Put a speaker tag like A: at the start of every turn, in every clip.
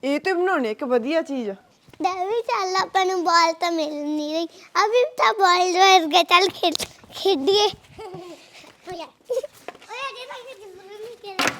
A: ਇਹ ਤੇ ਬਣਾਉਣੀ ਇੱਕ ਵਧੀਆ ਚੀਜ਼।
B: ਡੈਡੀ ਚੱਲ ਆਪਾਂ ਨੂੰ ਬਾਲ ਤਾਂ ਮਿਲ ਨਹੀਂ ਰਹੀ ਅਭੀ ਤਾਂ ਬਾਲ ਵਰਗਾ ਚੱਲ ਖੇਡੀਏ ਓਏ ਅੱਗੇ ਤਾਂ ਨਹੀਂ ਕਿਹਾ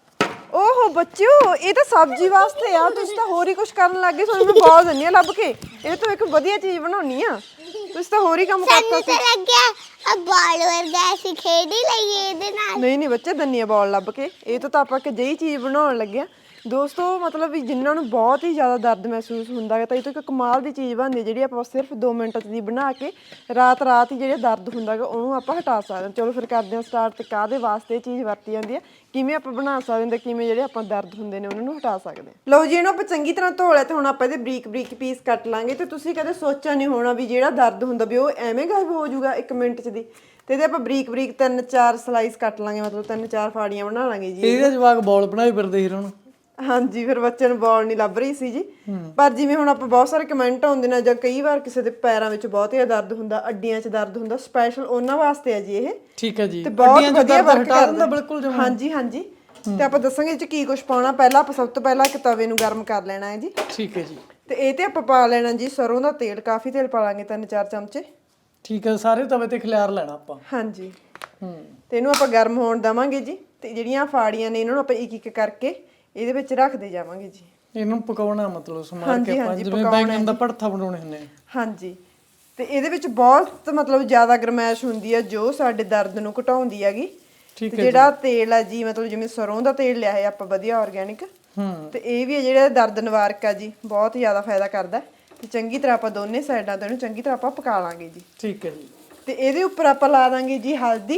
A: ਓਹੋ ਬੱਚਿਓ, ਇਹ ਤਾਂ ਸਬਜ਼ੀ ਵਾਸਤੇ ਆ, ਤੁਸੀਂ ਤਾਂ ਹੋਰ ਹੀ ਕੁਝ ਕਰਨ ਲੱਗ ਗਏ। ਤੁਹਾਨੂੰ ਮੈਂ ਬਾਲ ਦਿੰਨੀ ਆ ਲੱਭ ਕੇ, ਇਹ ਤੋਂ ਇੱਕ ਵਧੀਆ ਚੀਜ਼ ਬਣਾਉਣੀ ਆ, ਤੁਸੀਂ ਤਾਂ ਹੋਰ ਹੀ ਕੰਮ ਕਰਤਾ
B: ਸਾਨੂੰ
A: ਸੀ।
B: ਤਾਂ ਲੱਗਿਆ ਆ ਬਾਲ ਵਰਗਾ ਅਸੀਂ ਖੇਡ ਹੀ ਲਈਏ ਇਹਦੇ ਨਾਲ।
A: ਨਹੀਂ ਨਹੀਂ ਬੱਚੇ, ਦਿੰਨੀ ਆ ਬਾਲ ਲੱਭ ਕੇ। ਇਹ ਤਾਂ ਆਪਾਂ ਇੱਕ ਜਿਹੀ ਚੀਜ਼ ਬਣਾਉਣ ਲੱਗਿਆ ਦੋਸਤੋ, ਮਤਲਬ ਵੀ ਜਿਨ੍ਹਾਂ ਨੂੰ ਬਹੁਤ ਹੀ ਜ਼ਿਆਦਾ ਦਰਦ ਮਹਿਸੂਸ ਹੁੰਦਾ ਹੈ ਤਾਂ ਇਹ ਤੋਂ ਇੱਕ ਕਮਾਲ ਦੀ ਚੀਜ਼ ਬਣਦੀ ਜਿਹੜੀ ਆਪਾਂ ਸਿਰਫ 2 ਮਿੰਟ ਦੀ ਬਣਾ ਕੇ ਰਾਤ ਹੀ ਜਿਹੜਾ ਦਰਦ ਹੁੰਦਾ ਹੈਗਾ ਉਹਨੂੰ ਆਪਾਂ ਹਟਾ ਸਕਦੇ ਹਾਂ। ਚਲੋ ਫਿਰ ਕਰਦੇ ਹਾਂ ਸਟਾਰਟ। ਤੇ ਕਾਹਦੇ ਵਾਸਤੇ ਇਹ ਚੀਜ਼ ਵਰਤੀ ਜਾਂਦੀ ਹੈ, ਕਿਵੇਂ ਆਪਾਂ ਬਣਾ ਸਕਦੇ ਹਾਂ, ਕਿਵੇਂ ਜਿਹੜੇ ਆਪਾਂ ਦਰਦ ਹੁੰਦੇ ਨੇ ਉਹਨਾਂ ਨੂੰ ਹਟਾ ਸਕਦੇ ਹਾਂ। ਲਓ ਜੀ, ਇਹਨੂੰ ਆਪਾਂ ਚੰਗੀ ਤਰ੍ਹਾਂ ਧੋ ਲਿਆ ਤੇ ਹੁਣ ਆਪਾਂ ਇਹਦੇ ਬਰੀਕ ਬਰੀਕ ਪੀਸ ਕੱਟ ਲਾਂਗੇ। ਤੇ ਤੁਸੀਂ ਕਦੇ ਸੋਚਿਆ ਨਹੀਂ ਹੋਣਾ ਵੀ ਜਿਹੜਾ ਦਰਦ ਹੁੰਦਾ ਵੀ ਉਹ ਐਵੇਂ ਗਾਇਬ ਹੋ ਜਾਊਗਾ 1 ਮਿੰਟ 'ਚ ਦੀ। ਤੇ ਇਹਦੇ ਆਪਾਂ ਬਰੀਕ ਬਰੀਕ 3-4 ਸਲਾਈਸ ਕੱਟ ਲਾਂਗੇ, ਮਤਲਬ 3-4 ਫਾੜੀਆਂ ਬਣਾ ਲਾਂਗੇ ਜੀ।
C: ਇਹਦੇ ਜਵਾਕ ਬੋਲ ਬਣਾਈ ਫਿਰਦੇ ਸੀ ਹੁਣ।
A: ਹਾਂਜੀ, ਫਿਰ ਬੱਚੇ ਨੂੰ ਬਾਲ ਨਹੀਂ ਲੱਭ ਰਹੀ ਸੀ ਜੀ। ਪਰ ਜਿਵੇਂ ਹੁਣ ਆਪਾਂ ਬਹੁਤ ਸਾਰੇ ਕਮੈਂਟ ਆਉਂਦੇ ਨੇ, ਜਾਂ ਕਈ ਵਾਰ ਕਿਸੇ ਦੇ ਪੈਰਾਂ ਵਿੱਚ ਬਹੁਤ ਹੀ ਦਰਦ ਹੁੰਦਾ, ਅੱਡੀਆਂ 'ਚ ਦਰਦ ਹੁੰਦਾ, ਸਪੈਸ਼ਲ ਉਹਨਾਂ ਵਾਸਤੇ ਹੈ ਜੀ ਇਹ।
C: ਠੀਕ ਹੈ ਜੀ,
A: ਤੇ ਬਹੁਤ ਵਧੀਆ ਵਰਕ
C: ਹਟਾ ਦਿੰਦਾ ਬਿਲਕੁਲ ਜਮਾਂ।
A: ਹਾਂਜੀ ਹਾਂਜੀ। ਤੇ ਆਪਾਂ ਦੱਸਾਂਗੇ ਇਹ 'ਚ ਕੀ ਕੁਝ ਪਾਉਣਾ। ਪਹਿਲਾਂ ਆਪਾਂ ਸਭ ਤੋਂ ਪਹਿਲਾਂ ਇੱਕ ਤਵੇ ਨੂੰ ਗਰਮ ਕਰ ਲੈਣਾ ਹੈ ਜੀ।
C: ਠੀਕ ਹੈ ਜੀ।
A: ਤੇ ਇਹ ਤੇ ਆਪਾਂ ਪਾ ਲੈਣਾ ਜੀ ਸਰੋਂ ਦਾ ਤੇਲ। ਕਾਫੀ ਤੇਲ ਪਾ ਲਾਂਗੇ, 3-4 ਚਮਚੇ।
C: ਠੀਕ ਹੈ, ਸਾਰੇ ਤਵੇ ਤੇ ਖਿਲਾਰ ਲੈਣਾ ਆਪਾਂ।
A: ਹਾਂਜੀ। ਤੇ ਇਹਨੂੰ ਆਪਾਂ ਗਰਮ ਹੋਣ ਦੇਵਾਂਗੇ ਜੀ। ਤੇ ਜਿਹੜੀਆਂ ਫਾੜੀਆਂ ਨੇ ਇਹਨਾਂ ਨੂੰ ਆਪਾਂ ਇੱਕ ਇੱਕ ਕਰਕੇ ਇਹਦੇ ਵਿੱਚ ਰੱਖਦੇ ਜਾਵਾਂਗੇ ਜੀ।
C: ਇਹਨੂੰ ਪਕਾਉਣਾ ਮਤਲਬ ਸਮਾਰ ਕੇ ਆਪਾਂ ਜਿਵੇਂ ਬੈਂਗਣ ਦਾ ਭੜਥਾ ਬਣਾਉਣੇ ਹੁੰਦੇ ਆ।
A: ਹਾਂਜੀ। ਤੇ ਇਹਦੇ ਵਿੱਚ ਬਹੁਤ ਮਤਲਬ ਜ਼ਿਆਦਾ ਗਰਮੈਸ਼ ਹੁੰਦੀ ਹੈ ਜੋ ਸਾਡੇ ਦਰਦ ਨੂੰ ਘਟਾਉਂਦੀ ਹੈਗੀ। ਤੇ ਜਿਹੜਾ ਤੇਲ ਹੈ ਜੀ, ਮਤਲਬ ਜਿਵੇਂ ਸਰੋਂ ਦਾ ਤੇਲ ਲਿਆ ਹੈ ਆਪਾਂ ਵਧੀਆ ਆਰਗੈਨਿਕ। ਤੇ ਇਹ ਵੀ ਹੈ ਜਿਹੜਾ ਦਰਦ ਨਿਵਾਰਕ ਹੈ ਜੀ, ਬਹੁਤ ਜ਼ਿਆਦਾ ਫਾਇਦਾ ਕਰਦਾ। ਤੇ ਚੰਗੀ ਤਰ੍ਹਾਂ ਆਪਾਂ ਦੋਨੇ ਸਾਈਡਾਂ ਤੋਂ ਇਹਨੂੰ ਚੰਗੀ ਤਰ੍ਹਾਂ ਆਪਾਂ ਪਕਾ ਲਾਂਗੇ ਜੀ।
C: ਠੀਕ ਹੈ ਜੀ।
A: ਤੇ ਇਹਦੇ ਉੱਪਰ ਆਪਾਂ ਲਾ ਦਾਂਗੇ ਜੀ ਹਲਦੀ,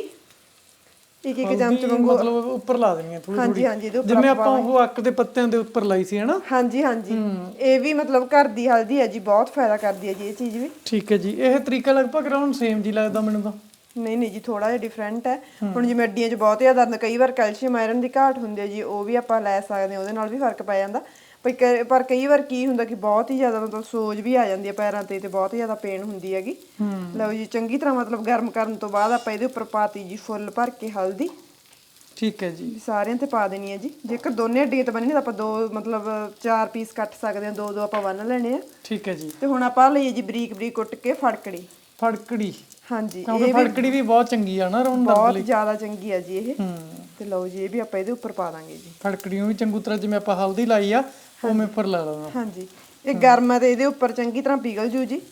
A: ਇੱਕ ਚਮਚ ਵਾਂਗੂ,
C: ਮਤਲਬ ਉੱਪਰ ਲਾ ਦੇਣੀ ਹੈ ਥੋੜੀ ਥੋੜੀ।
A: ਹਾਂਜੀ ਹਾਂਜੀ, ਇਹਦੇ ਉੱਪਰ
C: ਜਿਵੇਂ ਆਪਾਂ ਉਹ ਅੱਕ ਦੇ ਪੱਤਿਆਂ ਦੇ ਉੱਪਰ ਲਾਈ ਸੀ ਹਨਾ।
A: ਹਾਂਜੀ ਹਾਂਜੀ। ਇਹ ਵੀ ਮਤਲਬ ਘਰ ਦੀ ਹਲਦੀ ਹੈ ਜੀ, ਬਹੁਤ ਫਾਇਦਾ ਕਰਦੀ ਹੈ ਜੀ ਇਹ ਚੀਜ਼ ਵੀ।
C: ਠੀਕ ਹੈ ਜੀ। ਇਹ ਤਰੀਕਾ ਲਗਭਗ ਰਾਉਂਡ ਸੇਮ ਜੀ ਲੱਗਦਾ ਮੈਨੂੰ ਤਾਂ।
A: ਨਹੀਂ ਨਹੀਂ ਜੀ, ਥੋੜਾ ਜਿਹਾ ਡਿਫਰੈਂਟ ਹੈ। ਹੁਣ ਜਿਵੇਂ ਅੱਡੀਆਂ 'ਚ ਬਹੁਤ ਜ਼ਿਆਦਾ ਦਰਦ, ਕਈ ਵਾਰ ਕੈਲਸ਼ੀਅਮ ਆਇਰਨ ਦੀ ਘਾਟ ਹੁੰਦੀ ਹੈ ਜੀ, ਉਹ ਵੀ ਆਪਾਂ ਲੈ ਸਕਦੇ ਹਾਂ, ਉਹਦੇ ਨਾਲ ਵੀ ਫਰਕ ਪੈ ਜਾਂਦਾ। ਪਰ ਕਈ ਵਾਰ ਕੀ ਹੁੰਦਾ ਕਿ ਬਹੁਤ ਹੀ ਜ਼ਿਆਦਾ ਮਤਲਬ ਸੋਜ ਵੀ ਆ ਜਾਂਦੀ ਹੈ ਪੈਰਾਂ ਤੇ ਬਹੁਤ ਹੀ ਜ਼ਿਆਦਾ ਪੇਨ ਹੁੰਦੀ ਹੈਗੀ। ਲਓ ਜੀ, ਚੰਗੀ ਤਰ੍ਹਾਂ ਮਤਲਬ ਗਰਮ ਕਰਨ ਤੋਂ ਬਾਅਦ ਆਪਾਂ ਇਹਦੇ ਉੱਪਰ ਪਾਤੀ ਜੀ ਫੁੱਲ ਭਰ ਕੇ ਹਲਦੀ।
C: ਠੀਕ ਹੈ ਜੀ।
A: ਸਾਰਿਆਂ ਤੇ ਪਾ ਦੇਣੀ ਹੈ ਜੀ। ਜੇਕਰ ਦੋਨੇ ਅੱਡੀਆਂ ਤੇ ਬੰਨਣੀ ਤਾਂ ਆਪਾਂ 2 ਮਤਲਬ 4 ਪੀਸ ਕੱਟ ਸਕਦੇ ਹਾਂ, 2-2 ਆਪਾਂ ਬੰਨ ਲੈਣੇ ਆ।
C: ਠੀਕ ਹੈ ਜੀ।
A: ਤੇ ਹੁਣ ਆਪਾਂ ਲਈਏ ਜੀ ਬਰੀਕ ਬਰੀਕ ਕੁੱਟ ਕੇ ਫੜਕੜੀ।
C: ਫੜਕੜੀ।
A: ਹਾਂਜੀ,
C: ਕਿਉਂਕਿ ਫੜਕੜੀ ਵੀ ਬਹੁਤ ਚੰਗੀ ਆ ਨਾ ਰੌਣ ਦਰਦ
A: ਬਹੁਤ
C: ਲਈ।
A: ਜ਼ਿਆਦਾ ਚੰਗੀ ਆ ਜੀ ਇਹ। ਤੇ ਲਓ ਜੀ, ਇਹ ਵੀ ਆਪਾਂ ਇਹਦੇ ਉੱਪਰ ਪਾ ਦਾਂਗੇ ਜੀ।
C: ਫੜਕੜੀ ਨੂੰ ਵੀ ਚੰਗੀ ਤਰ੍ਹਾਂ ਜਿਵੇਂ ਆਪਾਂ ਹਲਦੀ ਲਾਈ ਆ ਉਵੇਂ ਉੱਪਰ ਲਾ ਲੈਣਾ।
A: ਹਾਂਜੀ, ਇਹ ਗਰਮ ਹੈ ਤੇ ਇਹਦੇ ਉੱਪਰ ਚੰਗੀ ਤਰ੍ਹਾਂ ਪਿਘਲ ਜੂ ਜੀ।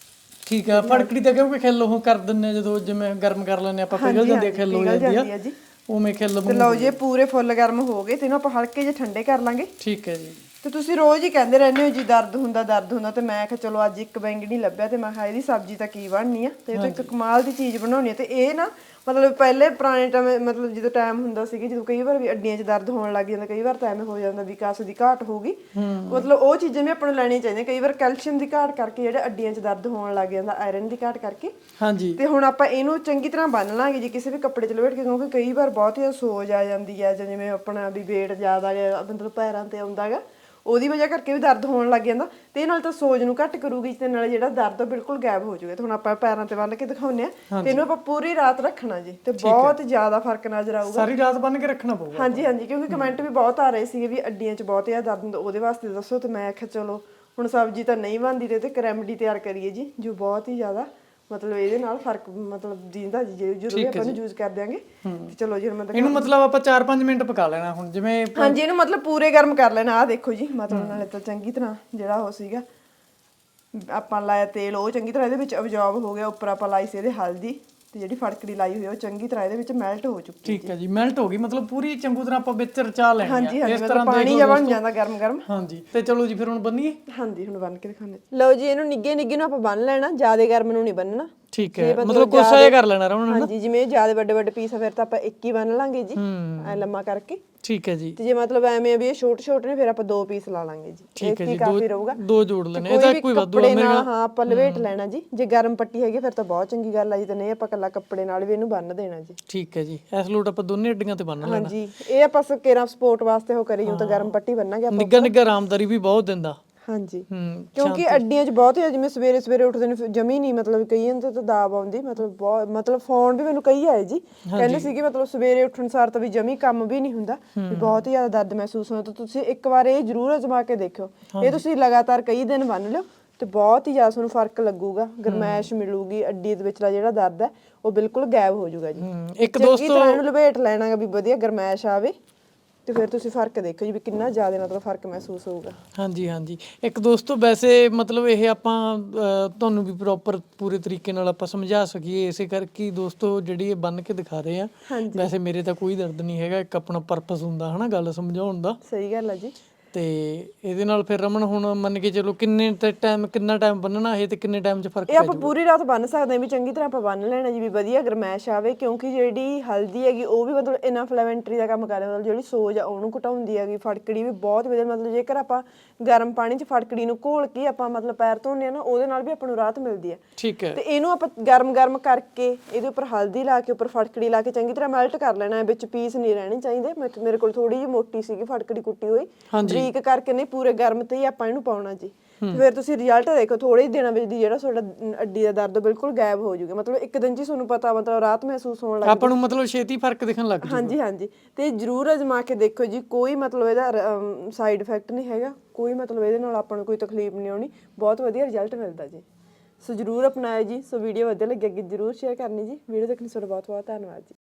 C: ਠੀਕ ਆ। ਫੜਕੜੀ ਤਾਂ ਕਿਉਂਕਿ ਖਿੱਲ ਉਹ ਕਰ ਦਿੰਨੇ ਜਦੋਂ ਜਿਵੇਂ ਗਰਮ ਕਰ ਲੈਂਦੇ ਆਪਾਂ, ਪਿਘਲ ਜਾਂਦੀ ਆ, ਖਿੱਲ ਹੋ ਜਾਂਦੀ ਆ
A: ਜੀ।
C: ਉਵੇਂ ਖਿੱਲ।
A: ਤੇ ਲਓ ਜੀ, ਇਹ ਪੂਰੇ ਫੁੱਲ ਗਰਮ ਹੋ ਗਏ ਤੇ ਇਹਨੂੰ ਆਪਾਂ ਹਲਕੇ ਜਿਹੇ ਠੰਡੇ ਕਰ ਲਾਂਗੇ।
C: ਠੀਕ ਹੈ ਜੀ।
A: ਤੇ ਤੁਸੀਂ ਰੋਜ਼ ਹੀ ਕਹਿੰਦੇ ਰਹਿੰਦੇ ਹੋ ਜੀ ਦਰਦ ਹੁੰਦਾ ਤੇ ਮੈਂ ਕਿਹਾ ਚਲੋ ਅੱਜ ਇੱਕ ਬੈਂਗਣੀ ਲੱਭਿਆ ਤੇ ਮੈਂ ਕਿਹਾ ਇਹਦੀ ਸਬਜ਼ੀ ਤਾਂ ਕੀ ਬਣਨੀ ਆ। ਤੇ ਇਹ ਤਾਂ ਇੱਕ ਕਮਾਲ ਦੀ ਚੀਜ਼ ਬਣਾਉਣੀ ਆ। ਤੇ ਇਹ ਨਾ ਮਤਲਬ ਪਹਿਲੇ ਪੁਰਾਣੇ ਟਾਈਮ, ਮਤਲਬ ਜਦੋਂ ਟਾਈਮ ਹੁੰਦਾ ਸੀਗਾ, ਜਦੋਂ ਕਈ ਵਾਰ ਵੀ ਅੱਡੀਆਂ 'ਚ ਦਰਦ ਹੋਣ ਲੱਗ ਜਾਂਦਾ, ਕਈ ਵਾਰ ਤਾਂ ਐਵੇਂ ਹੋ ਜਾਂਦਾ ਵੀ ਕਾਸ ਦੀ ਘਾਟ ਹੋਊਗੀ, ਮਤਲਬ ਉਹ ਚੀਜ਼ਾਂ ਵੀ ਆਪਾਂ ਨੂੰ ਲੈਣੀਆਂ ਚਾਹੀਦੀਆਂ। ਕਈ ਵਾਰ ਕੈਲਸ਼ੀਅਮ ਦੀ ਘਾਟ ਕਰਕੇ ਜਿਹੜੇ ਅੱਡੀਆਂ 'ਚ ਦਰਦ ਹੋਣ ਲੱਗ ਜਾਂਦਾ, ਆਇਰਨ ਦੀ ਘਾਟ ਕਰਕੇ।
C: ਹਾਂਜੀ।
A: ਤੇ ਹੁਣ ਆਪਾਂ ਇਹਨੂੰ ਚੰਗੀ ਤਰ੍ਹਾਂ ਬੰਨ ਲਾਂਗੇ ਜੀ ਕਿਸੇ ਵੀ ਕੱਪੜੇ 'ਚ ਲਪੇਟ ਕੇ, ਕਿਉਂਕਿ ਕਈ ਵਾਰ ਬਹੁਤ ਹੀ ਸੋਜ ਆ ਜਾਂਦੀ ਹੈ, ਜਾਂ ਜਿਵੇਂ ਆਪਣਾ ਵੀ ਵੇਟ ਜ਼ਿਆਦਾ ਮਤਲਬ ਪੈਰਾਂ ਤੇ ਆਉਂਦਾ ਹੈਗਾ, ਉਹਦੀ ਵਜ੍ਹਾ ਕਰਕੇ ਵੀ ਦਰਦ ਹੋਣ ਲੱਗ ਜਾਂਦਾ। ਤੇ ਇਹ ਨਾਲ ਤਾਂ ਸੋਜ ਨੂੰ ਘੱਟ ਕਰੂਗੀ ਤੇ ਨਾਲ ਜਿਹੜਾ ਦਰਦ ਬਿਲਕੁਲ ਗਾਇਬ ਹੋ ਜਾਊਗਾ। ਤੇ ਹੁਣ ਆਪਾਂ ਪੈਰਾਂ ਤੇ ਬੰਨ ਕੇ ਦਿਖਾਉਂਦੇ ਆ ਤੇ ਇਹਨੂੰ ਆਪਾਂ ਪੂਰੀ ਰਾਤ ਰੱਖਣਾ ਜੀ। ਤੇ ਬਹੁਤ ਜ਼ਿਆਦਾ ਫਰਕ ਨਜ਼ਰ ਆਊਗਾ।
C: ਸਾਰੀ ਰਾਤ ਬੰਨ ਕੇ ਰੱਖਣਾ ਪਊਗਾ।
A: ਹਾਂਜੀ ਹਾਂਜੀ, ਕਿਉਂਕਿ ਕਮੈਂਟ ਵੀ ਬਹੁਤ ਆ ਰਹੇ ਸੀਗੇ ਵੀ ਅੱਡੀਆਂ 'ਚ ਬਹੁਤ ਜ਼ਿਆਦਾ ਦਰਦ ਹੁੰਦਾ, ਉਹਦੇ ਵਾਸਤੇ ਦੱਸੋ। ਤੇ ਮੈਂ ਆਖਿਆ ਚਲੋ ਹੁਣ ਸਬਜ਼ੀ ਤਾਂ ਨਹੀਂ ਬਣਦੀ ਤੇ ਇੱਕ ਰੈਮਡੀ ਤਿਆਰ ਕਰੀਏ ਜੀ, ਜੋ ਬਹੁਤ ਹੀ ਜ਼ਿਆਦਾ ਮਤਲਬ ਇਹਦੇ ਨਾਲ ਫਰਕ ਮਤਲਬ ਦਿੰਦਾ ਜੀ, ਜਦੋਂ ਵੀ ਆਪਾਂ ਇਹਨੂੰ ਯੂਜ਼ ਕਰ ਦਿਆਂਗੇ। ਤੇ ਚਲੋ ਜੀ, ਹੁਣ ਮੈਂ
C: ਇਹਨੂੰ ਮਤਲਬ ਆਪਾਂ 4-5 ਮਿੰਟ ਪਕਾ ਲੈਣਾ ਹੁਣ ਜਿਵੇਂ।
A: ਹਾਂਜੀ, ਇਹਨੂੰ ਮਤਲਬ ਪੂਰੇ ਗਰਮ ਕਰ ਲੈਣਾ। ਆਹ ਦੇਖੋ ਜੀ, ਮਤਲਬ ਨਾਲੇ ਤਾਂ ਚੰਗੀ ਤਰ੍ਹਾਂ ਜਿਹੜਾ ਉਹ ਸੀਗਾ ਆਪਾਂ ਲਾਇਆ ਤੇਲ, ਉਹ ਚੰਗੀ ਤਰ੍ਹਾਂ ਇਹਦੇ ਵਿੱਚ ਅਬਜ਼ੌਰਬ ਹੋ ਗਿਆ। ਉੱਪਰ ਆਪਾਂ ਲਾਈ ਸੀ ਇਹਦੇ ਹਲਦੀ, ਤੇ ਜਿਹੜੀ ਫੜਕੜੀ ਲਾਈ ਹੋਈ ਉਹ ਚੰਗੀ ਤਰ੍ਹਾਂ ਇਹਦੇ ਵਿੱਚ ਮੈਲਟ ਹੋ ਚੁੱਕੀ।
C: ਠੀਕ ਹੈ ਜੀ, ਮੈਲਟ ਹੋ ਗਈ ਮਤਲਬ ਪੂਰੀ ਚੰਗੀ ਤਰ੍ਹਾਂ ਆਪਾਂ ਵਿੱਚ ਰਚਾ ਲੈਣੀ ਆ।
A: ਹਾਂਜੀ ਹਾਂਜੀ, ਮਤਲਬ ਪਾਣੀ ਜਿਹਾ ਬਣ ਜਾਂਦਾ ਗਰਮ ਗਰਮ।
C: ਹਾਂਜੀ। ਤੇ ਚਲੋ ਜੀ ਫਿਰ ਹੁਣ ਬੰਨੀਏ।
A: ਹਾਂਜੀ, ਹੁਣ ਬੰਨ ਕੇ ਦਿਖਾਉਂਦੇ। ਲਓ ਜੀ, ਇਹਨੂੰ ਨਿੱਗੇ ਨਿੱਗੇ ਨੂੰ ਆਪਾਂ ਬੰਨ ਲੈਣਾ, ਜ਼ਿਆਦਾ ਗਰਮ ਨੂੰ ਨਹੀਂ ਬੰਨਣਾ।
C: ਠੀਕ ਹੈ, ਮਤਲਬ ਕੋਸਾ ਜਿਹਾ ਕਰ ਲੈਣਾ ਰਾਉਣ।
A: ਹਾਂਜੀ, ਜਿਵੇਂ ਜ਼ਿਆਦਾ ਵੱਡੇ ਵੱਡੇ ਪੀਸ ਆ ਫਿਰ ਤਾਂ ਆਪਾਂ ਇੱਕ ਹੀ ਬੰਨ ਲਾਂਗੇ ਜੀ, ਐ ਲੰਮਾ ਕਰਕੇ।
C: ਠੀਕ ਹੈ ਜੀ।
A: ਤੇ ਜੇ ਮਤਲਬ ਐਵੇਂ ਆ ਵੀ ਇਹ ਛੋਟੇ ਛੋਟੇ ਨੇ, ਫਿਰ ਆਪਾਂ 2 ਪੀਸ ਲਾ ਲਾਂਗੇ ਜੀ।
C: ਠੀਕ ਹੈ ਜੀ,
A: ਕਾਫੀ ਰਹੂਗਾ।
C: 2 ਜੋੜ ਲੈਣੇ, ਇਹਦਾ ਕੋਈ ਵਾਧੂ ਆ
A: ਮੇਰੇ ਨਾਲ। ਹਾਂ, ਆਪਾਂ ਲਵੇਟ ਲੈਣਾ ਜੀ। ਜੇ ਗਰਮ ਪੱਟੀ ਹੈਗੀ ਫਿਰ ਤਾਂ ਬਹੁਤ ਚੰਗੀ ਗੱਲ ਆ ਜੀ, ਤੇ ਨਹੀਂ ਆਪਾਂ ਕੱਲਾ ਕੱਪੜੇ ਨਾਲ ਵੀ ਇਹਨੂੰ ਬੰਨ ਦੇਣਾ ਜੀ।
C: ਠੀਕ ਹੈ ਜੀ। ਇਸ ਲੋਟ ਆਪਾਂ ਦੋਨੇ ਅੱਡੀਆਂ ਤੇ ਬੰਨ ਲੈਣਾ।
A: ਹਾਂਜੀ, ਇਹ ਆਪਾਂ ਕੇਰਾਂ ਸਪੋਰਟ ਵਾਸਤੇ ਉਹ ਕਰੀ ਤਾਂ ਗਰਮ ਪੱਟੀ ਬੰਨਾਂਗੇ ਆਪਾਂ।
C: ਨਿੱਘਾ ਨਿੱਘਾ ਆਰਾਮਦਾਰੀ ਵੀ ਬਹੁਤ ਦਿੰਦਾ।
A: ਹਾਂਜੀ
C: ਹੂੰ
A: ਕਿਉਂਕਿ ਅੱਡੀਆਂ 'ਚ ਬਹੁਤ ਹੀ ਜਿਵੇਂ ਸਵੇਰੇ ਸਵੇਰੇ ਉੱਠਦੇ ਨੇ ਜਮੀ ਨਹੀਂ ਮਤਲਬ ਕਈਆਂ ਤੇ ਤਾਂ ਦਾਬ ਆਉਂਦੀ ਮਤਲਬ ਬਹੁਤ ਮਤਲਬ ਫੋਨ ਵੀ ਮੈਨੂੰ ਕਈ ਆਏ ਜੀ ਕਹਿੰਦੇ ਸੀ ਕਿ ਮਤਲਬ ਸਵੇਰੇ ਉੱਠਣ ਸਾਰ ਤਾਂ ਵੀ ਜਮੀ ਕੰਮ ਵੀ ਨਹੀਂ ਹੁੰਦਾ ਵੀ ਬਹੁਤ ਹੀ ਜ਼ਿਆਦਾ ਦਰਦ ਮਹਿਸੂਸ ਹੁੰਦਾ ਤਾਂ ਤੁਸੀਂ ਇੱਕ ਵਾਰ ਇਹ ਜ਼ਰੂਰ ਅਜ਼ਮਾ ਕੇ ਦੇਖਿਓ ਇਹ ਤੁਸੀਂ ਲਗਾਤਾਰ ਕਈ ਦਿਨ ਬੰਨ ਲਿਓ ਤੇ ਬਹੁਤ ਹੀ ਜ਼ਿਆਦਾ ਤੁਹਾਨੂੰ ਫਰਕ ਲੱਗੂਗਾ ਗਰਮੈਸ਼ ਮਿਲੂਗੀ ਅੱਡੀ ਦੇ ਵਿਚਲਾ ਜਿਹੜਾ ਦਰਦ ਹੈ ਉਹ ਬਿਲਕੁਲ ਗਾਇਬ ਹੋ ਜਾਊਗਾ ਜੀ
C: ਇੱਕ
A: ਚੰਗੀ ਤਰ੍ਹਾਂ ਇਹਨੂੰ ਲਪੇਟ ਲੈਣਾ ਗਾ ਵੀ ਵਧੀਆ ਗਰਮੈਸ਼ ਆਵੇ ਤੇ ਫਿਰ ਤੁਸੀਂ ਫਰਕ ਦੇਖੋ ਜੀ ਵੀ ਕਿੰਨਾ ਜ਼ਿਆਦਾ ਮਤਲਬ ਫਰਕ ਮਹਿਸੂਸ ਹੋਊਗਾ
C: ਹਾਂਜੀ ਹਾਂਜੀ ਇੱਕ ਦੋਸਤੋ ਵੈਸੇ ਮਤਲਬ ਇਹ ਆਪਾਂ ਤੁਹਾਨੂੰ ਵੀ ਪ੍ਰੋਪਰ ਪੂਰੇ ਤਰੀਕੇ ਨਾਲ ਆਪਾਂ ਸਮਝਾ ਸਕੀਏ ਇਸੇ ਕਰਕੇ ਹੀ ਦੋਸਤੋ ਜਿਹੜੀ ਇਹ ਬੰਨ ਕੇ ਦਿਖਾ ਰਹੇ ਆ ਵੈਸੇ ਮੇਰੇ ਤਾਂ ਕੋਈ ਦਰਦ ਨਹੀਂ ਹੈਗਾ ਇੱਕ ਆਪਣਾ ਪਰਪਸ ਹੁੰਦਾ ਹਨਾ ਗੱਲ ਸਮਝਾਉਣ ਦਾ
A: ਸਹੀ ਗੱਲ ਹੈ ਜੀ
C: ਤੇ ਇਹਦੇ ਨਾਲ ਫਿਰ ਰਮਨ ਹੁਣ ਮੰਨ ਕੇ ਚਲੋ ਕਿੰਨਾ ਟਾਈਮ ਬੰਨਣਾ ਇਹ ਤੇ ਕਿੰਨੇ ਟਾਈਮ 'ਚ ਫਰਕ
A: ਇਹ ਆਪਾਂ ਪੂਰੀ ਰਾਤ ਬੰਨ ਸਕਦੇ ਹਾਂ ਵੀ ਚੰਗੀ ਤਰ੍ਹਾਂ ਆਪਾਂ ਬੰਨ ਲੈਣਾ ਜੀ ਵੀ ਵਧੀਆ ਗਰਮੈਸ਼ ਆਵੇ ਕਿਉਂਕਿ ਜਿਹੜੀ ਹਲਦੀ ਹੈਗੀ ਉਹ ਵੀ ਮਤਲਬ ਇਨਫਲੇਮੈਂਟਰੀ ਦਾ ਕੰਮ ਕਰਦੀ ਮਤਲਬ ਜਿਹੜੀ ਸੋਜ ਆ ਉਹਨੂੰ ਘਟਾਉਂਦੀ ਹੈਗੀ ਫਟਕੜੀ ਵੀ ਬਹੁਤ ਵਧੀਆ ਮਤਲਬ ਜੇਕਰ ਆਪਾਂ ਗਰਮ ਪਾਣੀ 'ਚ ਫਟਕੜੀ ਨੂੰ ਘੋਲ ਕੇ ਆਪਾਂ ਮਤਲਬ ਪੈਰ ਧੋਨੇ ਆ ਨਾ ਉਹਦੇ ਨਾਲ ਵੀ ਆਪਾਂ ਨੂੰ ਰਾਹਤ ਮਿਲਦੀ ਹੈ
C: ਠੀਕ ਹੈ
A: ਤੇ ਇਹਨੂੰ ਆਪਾਂ ਗਰਮ ਕਰਕੇ ਇਹਦੇ ਉੱਪਰ ਹਲਦੀ ਲਾ ਕੇ ਉੱਪਰ ਫਟਕੜੀ ਲਾ ਕੇ ਚੰਗੀ ਤਰ੍ਹਾਂ ਮੈਲਟ ਕਰ ਲੈਣਾ ਵਿੱਚ ਪੀਸ ਨਹੀਂ ਰਹਿਣੇ ਚਾਹੀਦੇ ਮੇਰੇ ਕੋਲ ਥੋੜੀ ਜਿਹੀ ਮੋਟੀ ਸੀਗੀ ਫਟਕੜੀ ਕੁੱਟੀ ਹੋਈ ਬਰੀਕ ਕਰਕੇ ਨਹੀਂ ਪੂਰੇ ਗਰਮ ਤੇ ਹੀ ਆਪਾਂ ਇਹਨੂੰ ਪਾਉਣਾ ਜੀ ਫਿਰ ਤੁਸੀਂ ਰਿਜ਼ਲਟ ਦੇਖੋ ਥੋੜੇ ਹੀ ਦਿਨਾਂ ਵਿੱਚ ਦੀ ਜਿਹੜਾ ਤੁਹਾਡਾ ਅੱਡੀ ਦਾ ਦਰਦ ਬਿਲਕੁਲ ਗਾਇਬ ਹੋ ਜਾਊਗਾ ਮਤਲਬ ਇੱਕ ਦਿਨ 'ਚ ਹੀ ਤੁਹਾਨੂੰ ਪਤਾ ਮਤਲਬ ਰਾਹਤ ਮਹਿਸੂਸ ਹੋਣ ਲੱਗ
C: ਆਪਾਂ ਨੂੰ ਮਤਲਬ ਛੇਤੀ ਫਰਕ ਦਿਖਣ ਲੱਗ ਜੂ
A: ਹਾਂਜੀ ਹਾਂਜੀ ਤੇ ਜਰੂਰ ਅਜ਼ਮਾ ਕੇ ਦੇਖੋ ਜੀ ਕੋਈ ਮਤਲਬ ਇਹਦਾ ਸਾਈਡ ਇਫੈਕਟ ਨਹੀਂ ਹੈਗਾ ਕੋਈ ਮਤਲਬ ਇਹਦੇ ਨਾਲ ਆਪਾਂ ਨੂੰ ਕੋਈ ਤਕਲੀਫ ਨਹੀਂ ਆਉਣੀ ਬਹੁਤ ਵਧੀਆ ਰਿਜ਼ਲਟ ਮਿਲਦਾ ਜੀ ਸੋ ਜਰੂਰ ਅਪਣਾਇਓ ਜੀ ਸੋ ਵੀਡੀਓ ਵਧੀਆ ਲੱਗੀ ਅੱਗੇ ਜਰੂਰ ਸ਼ੇਅਰ ਕਰਨੀ ਜੀ ਵੀਡੀਓ ਦੇਖਣ ਲਈ ਤੁਹਾਡਾ ਬਹੁਤ ਬਹੁਤ ਧੰਨਵਾਦ ਜੀ